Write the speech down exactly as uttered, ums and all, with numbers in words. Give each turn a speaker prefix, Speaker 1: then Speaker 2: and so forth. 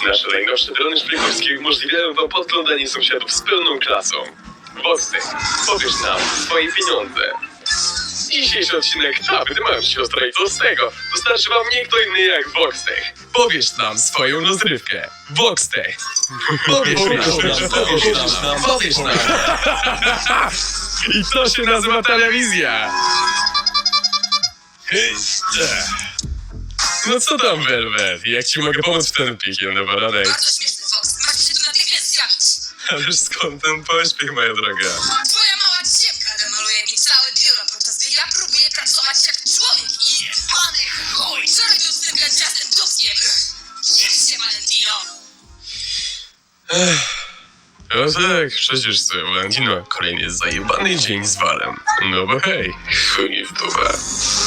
Speaker 1: Nasze najnowsze drony szpiegowskie umożliwiają wam podglądanie sąsiadów z pełną klasą. Voxtech, powiesz nam swoje pieniądze. Dzisiejszy odcinek Aby ty masz siostra i co z tego? Dostarczy wam nie kto inny jak Voxtech. Powiesz nam swoją rozrywkę. Voxtech. Powiesz nam, powiesz nam, powiesz nam. I to się nazywa telewizja. No co tam, Velvet? Jak ci mogę pomóc w ten piekielny baranek?
Speaker 2: Bardzo śmieszny, Fox. Masz się tu natychmiast zjawić.
Speaker 1: Ależ skąd ten pośpiech, moja droga?
Speaker 2: Twoja mała dziewka demoluje mi całe biuro, podczas gdy ja próbuję pracować jak człowiek i... Pany chuj! Wczoraj tu zwykle ciastem dupkiem. Niech się, Valentino!
Speaker 1: No tak, przecież co, Valentino, kolejny zajebany dzień z walem. No bo hej, chuj w dupę.